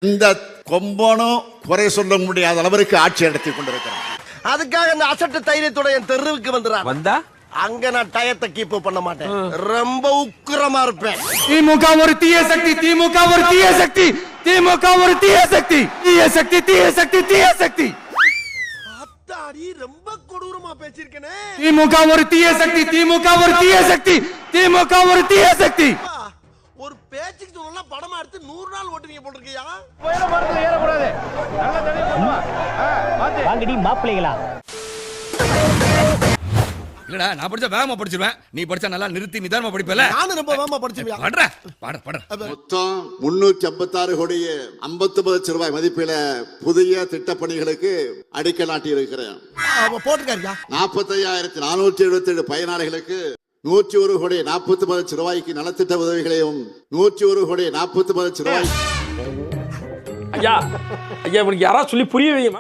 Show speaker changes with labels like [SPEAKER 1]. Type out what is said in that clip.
[SPEAKER 1] இந்த கொம்பனும் குறை சொல்ல முடியாத அளவிற்கு ஆட்சி நடத்தி கொண்டிருக்கிறார்.
[SPEAKER 2] அதுக்காக அந்த அசட்டு தைரியத்தோட என் தெருவுக்கு வந்துடுறான்.
[SPEAKER 3] வந்தா
[SPEAKER 2] அங்க நான் டயத்தை கீப் பண்ண மாட்டேன். ரொம்ப உக்கிரமா இருப்பேன்.
[SPEAKER 4] திமுக ஒரு தீய சக்தி, திமுக ஒரு தீய சக்தி, திமுக ஒரு தீய சக்தி, தீய சக்தி, தீய சக்தி, தீய சக்தி.
[SPEAKER 2] அத்தாடி ரொம்ப கொடூரமா பேசிருக்கனே.
[SPEAKER 4] திமுக ஒரு தீய சக்தி, திமுக ஒரு தீய சக்தி, திமுக ஒரு தீய சக்தி.
[SPEAKER 2] ஒரு பேச்சுக்கு சொல்லலாம் படமா எடுத்து 100 நாள் ஓட்டுவீங்க போட்டுருக்கியா?
[SPEAKER 5] வாங்கடி மாப்பிள்ளைகளா.
[SPEAKER 3] இல்லடா நான் படிச்சா வேகமா படிச்சிருவேன், நீ படிச்சா நல்லா நிறுத்தி நிதானமா படிப்பல.
[SPEAKER 2] நானும் ரொம்ப வேகமா படிச்சிருவியா?
[SPEAKER 3] படுற பட பட.
[SPEAKER 1] மொத்தம் 356 கோடியே 59 லட்சம் ரூபாய் மதிப்பில புதிய திட்டப்பணிகளுக்கு அடிக்கல் நாட்டி இருக்கிறேன்.
[SPEAKER 2] போட்டுருக்காருயா.
[SPEAKER 1] 45,477 பயனாளிகளுக்கு 101 கோடி 49 லட்சம் ரூபாய்க்கு நலத்திட்ட உதவிகளையும் 101 கோடி 49 லட்சம் ரூபாய்.
[SPEAKER 6] ஐயா ஐயா, இவனுக்கு யாராவது சொல்லி புரிய வையுமா?